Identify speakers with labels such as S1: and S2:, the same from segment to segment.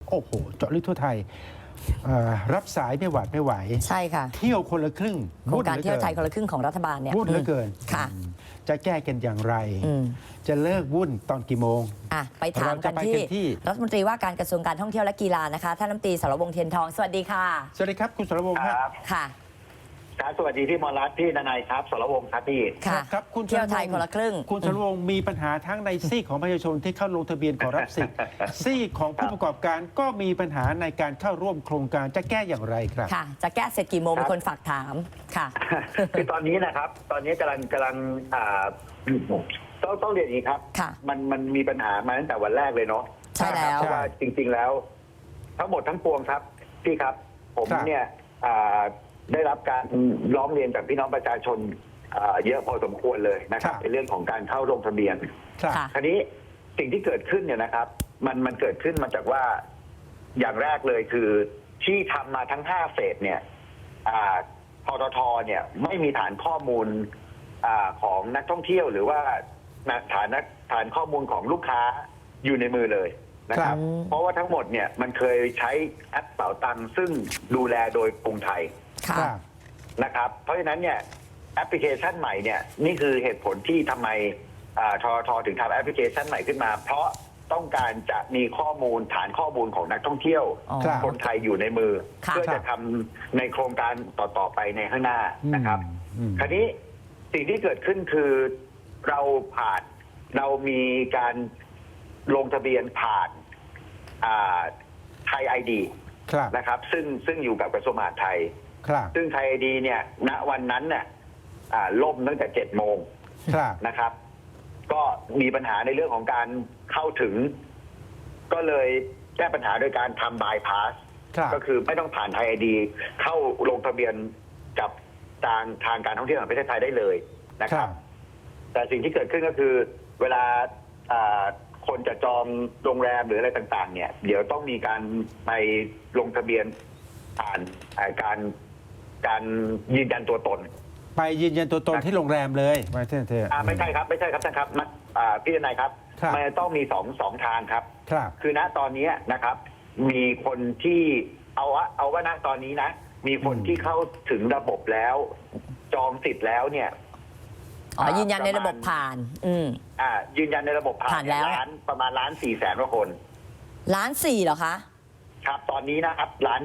S1: โอ้โหเจาะลึกทั่วไทยรับสายไม่หวาดไม่ไหว
S2: ใช่ค่ะ
S1: เที่ยวคนละครึ่ง
S2: โครงการเที่ยวไทยคนละครึ่งของรัฐบาลเนี่ย
S1: วุ่นเหลือเกิน
S2: ค่ะ
S1: จะแก้กันอย่างไรจะเลิกวุ่นตอนกี่โมง
S2: ไปถามกันที่รัฐมนตรีว่าการกระทรวงการท่องเที่ยวและกีฬานะคะท่านรัฐมนตรีสรวงศ์เทียนทองสวัสดีค่ะ
S1: สวัสดีครับคุณสรวงศ์ครับ
S2: ค่ะ
S3: สวัสดีพี่มรรัตน์พี่ดนัยครับสรวงศ์ครับพี่
S1: ครับคุณ
S2: เที่ยวไทยคนละครึ่ง
S1: คุณสรวงศ์มีปัญหาทั้งในซีกของประชาชนที่เข้าลงทะเบียนขอรับสิทธิ์ซีกของผู้ประกอบการก็มีปัญหาในการเข้าร่วมโครงการจะแก้อย่างไรครับ
S2: ค่ะจะแก้เสร็จกี่โมงมีคนฝากถามค่ะ
S3: คือตอนนี้นะครับตอนนี้กำลังต้องเรียนอย่างนี้ครับมันมีปัญหามาตั้งแต่วันแรกเลยเนาะ
S2: ใช่แล้ว
S3: เพราะว่าจริงๆแล้วทั้งหมดทั้งปวงครับพี่ครับผมเนี่ยได้รับการร้องเรียนจากพี่น้องประชาชนเยอะพอสมควรเลยนะครับในเรื่องของการเข้าลงทะเบียนคราวนี้สิ่งที่เกิดขึ้นเนี่ยนะครับมันเกิดขึ้นมาจากว่าอย่างแรกเลยคือที่ทำมาทั้ง5เฟสเนี่ยทททเนี่ยไม่มีฐานข้อมูลของนักท่องเที่ยวหรือว่าฐานข้อมูลของลูกค้าอยู่ในมือเลยนะครับเพราะว่าทั้งหมดเนี่ยมันเคยใช้แอปเป๋าตังค์ซึ่งดูแลโดยกรุงไทยนะครับเพราะฉะนั้นเนี่ยแอปพลิเคชันใหม่เนี่ยนี่คือเหตุผลที่ทำไมททถึงทำแอปพลิเคชันใหม่ขึ้นมาเพราะต้องการจะมีข้อมูลฐานข้อมูลของนักท่องเที่ยวคนไทยอยู่ในมือเพื่อจะทำในโครงการต่อไปในข้างหน้านะครับคราวนี้สิ่งที่เกิดขึ้นคือเรามีการลงทะเบียนผ่านไทยไอดีนะครับซึ่งอยู่กับกระทรวงมหาดไทยซึ่งไทยไอดีเนี่ยณวันนั้นเนี่ยล่มตั้งแต่7 โมงนะครับก็มีปัญหาในเรื่องของการเข้าถึงก็เลยแก้ปัญหาโดยการทำบายพาสก็คือไม่ต้องผ่านไทยไอดีเข้าลงทะเบียนกับทางการท่องเที่ยวแห่งประเทศไทยได้เลยนะครับแต่สิ่งที่เกิดขึ้นก็คือเวลาคนจะจองโรงแรมหรืออะไรต่างๆเนี่ยเดี๋ยวต้องมีการไปลงทะเบียนผ่านการยืนยันตัวตน
S1: ไปยืนยันตัวตนที่โรงแรมเลยไม่ใช่
S3: ไม่ใช่ครับท่านครับพี่นายครับมันต้องมีสองทางครับคือณตอนนี้นะครับมีคนที่เอาว่าณตอนนี้นะมีคนที่เข้าถึงระบบแล้วจองสิทธิ์แล้วเนี่ย
S2: ยืนยันในระบบผ่าน
S3: ยืนยันในระบบผ่านแล้วประมาณ1.4 แสนกว่าคน
S2: 1.4 เหรอคะ
S3: ครับตอนนี้นะครับ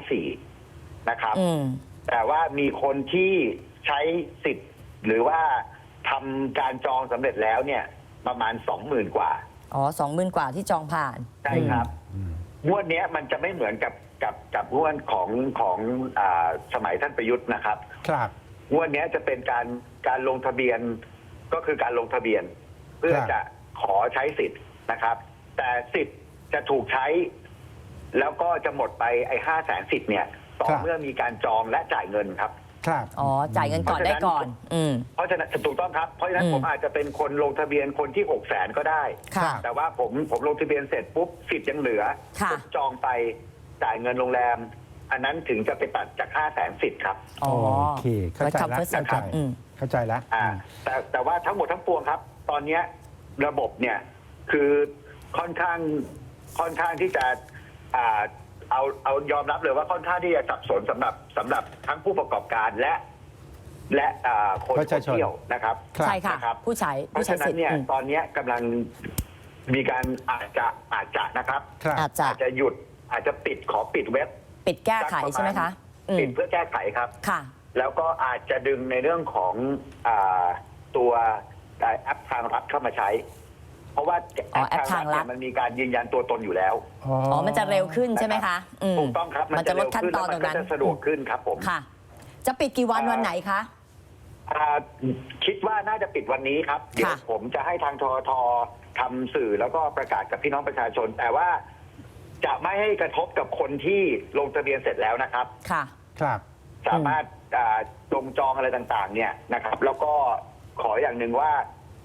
S3: 1.4 นะครับแต่ว่ามีคนที่ใช้สิทธิ์หรือว่าทำการจองสำเร็จแล้วเนี่ยประมาณ 20,000 กว่า
S2: 20,000 กว่าที่จองผ่าน
S3: ใช่ครับงวดนี้มันจะไม่เหมือนกับงวดของสมัยท่านประยุทธ์นะครับงวดนี้จะเป็นการลงทะเบียนก็คือการลงทะเบียนเพื่อจะขอใช้สิทธิ์นะครับแต่สิทธิ์จะถูกใช้แล้วก็จะหมดไป5 แสนสิทธิ์เนี่ยต่อเมื่อมีการจองและจ่ายเงินครับ
S2: จ่ายเงินก่อนได้ก่อน
S3: เพราะฉะนั้นถูกต้องครับเพราะฉะนั้นผมอาจจะเป็นคนลงทะเบียนคนที่6 แสนก็ได้แต่ว่าผมลงทะเบียนเสร็จปุ๊บสิทธิ์ยังเหลือผมจองไปจ่ายเงินโรงแรมอันนั้นถึงจะไปตัดจาก5 แสนสิทธิ์ครับ
S1: โอเคเข้าใจแล้วเข้าใจแล้ว
S3: แต่ว่าทั้งหมดทั้งปวงครับตอนนี้ระบบเนี่ยคือค่อนข้างที่จะเอายอมรับเลยว่าค่อนข้างที่จะสับสนสำหรับทั้งผู้ประกอบการและคนท่องเที่ยวนะครับ
S2: ใช่ค่ะผู้ใช้
S3: เพราะฉะนั้นเนี่ยตอนนี้กำลังมีการอาจจะนะครับอาจจะหยุดอาจจะขอปิดเว็บ
S2: ปิดแก้ไขใช่ไหมคะ
S3: ปิดเพื่อแก้ไขครับ
S2: ค่ะ
S3: แล้วก็อาจจะดึงในเรื่องของตัวแอปทางรัฐเข้ามาใช้เพราะว่า
S2: แอปทางรัฐ
S3: มันมีการยืนยันตัวตนอยู่แล้ว
S2: มันจะเร็วขึ้นใช่ไหมคะ
S3: ถูกต้องครับ
S2: มันจะลดขั้นตอนตรงนั้น
S3: จะสะดวกขึ้นครับผม
S2: ค่ะจะปิดกี่วันไหนคะ
S3: คิดว่าน่าจะปิดวันนี้ครับเดี๋ยวผมจะให้ทางทททำสื่อแล้วก็ประกาศกับพี่น้องประชาชนแต่ว่าจะไม่ให้กระทบกับคนที่ลงทะเบียนเสร็จแล้วนะครับ
S1: ครับ
S3: สามารถลงจองอะไรต่างๆเนี่ยนะครับแล้วก็ขออย่างหนึ่งว่า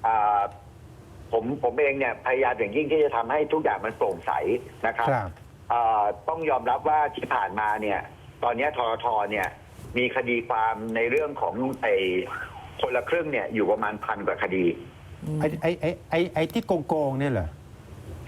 S3: ผมเองเนี่ยพยายามอย่างยิ่งที่จะทำให้ทุกอย่างมันโปร่งใสนะครับต้องยอมรับว่าที่ผ่านมาเนี่ยตอนนี้ททเนี่ยมีคดีความในเรื่องของคนละครึ่งเนี่ยอยู่ประมาณ1,000 กว่าคดี
S1: ไอ้ที่โกงเนี่ยเหรอ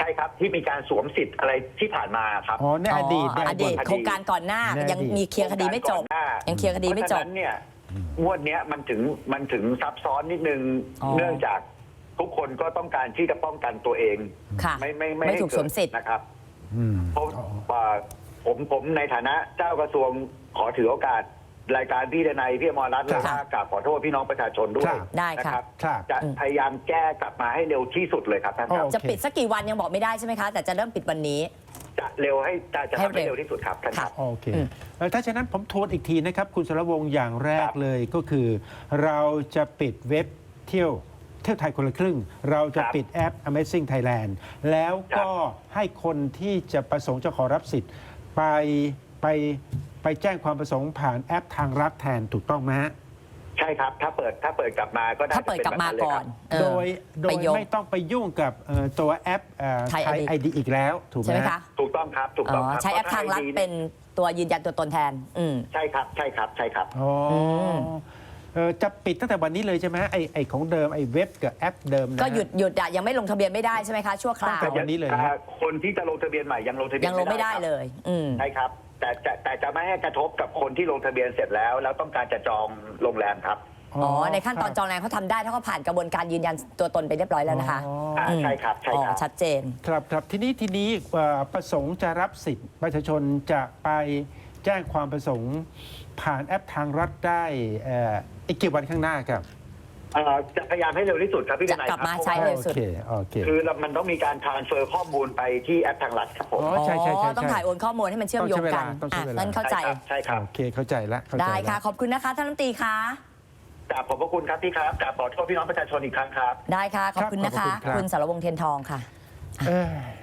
S3: ช่ครับที่มีการสวมสิทธิ์อะไรที่ผ่านมาครับ
S1: อ๋อในอดีตใน
S2: อดีตโครงการก่อนหน้า
S1: ในอดีต
S2: ยังมีเคลียร์คดีไม่จบ
S3: ก่อนหน้า
S2: ยังเคลียร์คดีไม่จบ
S3: เพราะฉะนั้นเนี่ยงวดเนี้ยมันถึงซับซ้อนนิดนึง
S2: อ๋อ
S3: เนื่องจากทุกคนก็ต้องการที่จะป้องกันตัวเอง
S2: ค่ะ
S3: ไม่
S2: ไม่
S3: ให้
S2: ถูก
S3: เกิ
S2: ส
S3: ด
S2: วมสิทธิ์
S3: นะครับ
S1: อืม
S3: เพราะ
S1: อ๋อ
S3: ผมในฐานะเจ้ากระทรวงขอถือโอกาสรายการพี่ดนัยพี่อมรรัตน์
S1: ครั
S3: และ
S1: บ
S3: ว่ากราบขอโทษพี่น้องประชาชนด้วย
S1: ครับ
S2: ได้ค่ะ
S3: นะครับ
S1: ครับ
S3: จะพยายามแก้กลับมาให้เร็วที่สุดเลยครับท่านครับ
S1: โอเค
S2: จะปิดสักกี่วันยังบอกไม่ได้ใช่ไหมคะ แต่จะเริ่มปิดวันนี้
S3: จะเร็วให้จะ
S2: ให้
S3: ทำให้
S2: เร็ว
S3: เร็วที่สุดครับท่านครับ
S1: โอเค
S2: อืม
S1: ถ้าฉะนั้นผมทวนอีกทีนะครับ คุณสรวงศ์อย่างแรก
S3: ครับ
S1: เลยก็คือ เราจะปิดเว็บเที่ยวไทยคนละครึ่ง เราจะปิดแอป Amazing Thailand แล้วก็ให้คนที่จะประสงค์จะขอรับสิทธิ์ไปแจ้งความประสงค์ผ่านแอปทางรัฐแทนถูกต้องไหมฮะ
S3: ใช่ครับถ้าเปิดกลับมาก็น่า
S2: ถ้า
S3: จะ
S2: เปิด
S3: เป็น
S2: กลับมา
S3: แบบ
S2: ก่อน
S3: เลยครับ
S1: โดย
S2: ไปยก
S1: ไม่ต้องไปยุ่งกับตัวแอป
S2: ไทย
S1: ไทย
S2: ID
S1: ไอดีอีกแล้วถูกไห
S2: ใช่
S1: ม
S2: ไหม
S1: ฮะ
S2: คะ
S3: ถูกต้องครับถูก
S2: อ๋
S3: ต้อง
S2: อ
S3: ครับ
S2: ใช้แอปทางรัฐเป็นตัวยืนยันตัวตนแทน
S3: ใช่ครับใช่ครับใช่ครับ
S1: อ๋ออ
S2: ม
S1: จะปิดตั้งแต่วันนี้เลยใช่ไหมไอของเดิมไอเว็บกับแอปเดิมนะ
S2: ก็หยุดอะยังไม่ลงทะเบียนไม่ได้ใช่ไหมคะชั่วคราว
S1: ตั้งแต่ วันนี้เลยฮะ
S3: คนที่จะลงทะเบียนใหม่ยังลงทะเบียน
S2: ยังลงไม่ได้
S3: ครับ
S2: เลย
S3: ใช่ครับแต่จะไม่ให้กระทบกับคนที่ลงทะเบียนเสร็จแล้วต้องการจะจองโรงแรมครับ
S2: อ๋อ ในขั้นตอนจองแรงเขาทำได้ถ้าเขาผ่านกระบวนการยืนยันตัวตนไปเรียบร้อยแล้วนะคะ
S3: ใช่ครับใช่
S2: อ๋อ
S3: ครับ
S2: ชัดเจน
S1: ครับครับทีนี้ประสงค์จะรับสิทธิ์ประชาชนจะไปแจ้งความประสงค์ผ่านแอปทางรัฐได้อีกกี่วันข้างหน้าครับ
S3: จะพยายามให้เร็วที่สุดครับพี่
S2: จะ
S3: นาย
S2: กลับ
S3: ครับ
S2: มาใช้เร็วสุด
S1: โอเค
S3: คือมันต้องมีการทรานสเฟอร์ข้อมูลไปที่แอปทางรัฐครับผม
S1: อ๋อใช่ใช่
S2: ต้องถ่ายโอนข้อมูลให้มันเชื่อมโยงกัน
S1: ต้องใช้เวลา
S2: นั่นเข้าใจ
S3: ใช่ครับ
S1: โอเคเข้าใจแล้วเข้าใจ
S2: ได้
S1: แล้ว
S2: ค่ะ ขอบคุณนะคะท่านรัฐมนตรีคะ
S3: กราบขอบพระคุณครับพี่ครับกราบขอโทษพี่น้องประชาชนอีกครั้งครับ
S2: ได้ค่ะ ขอบคุณนะคะ
S1: ครับขอบคุณครับ
S2: คุณสรวงศ์เทียนทองค่ะ
S1: เอ้ย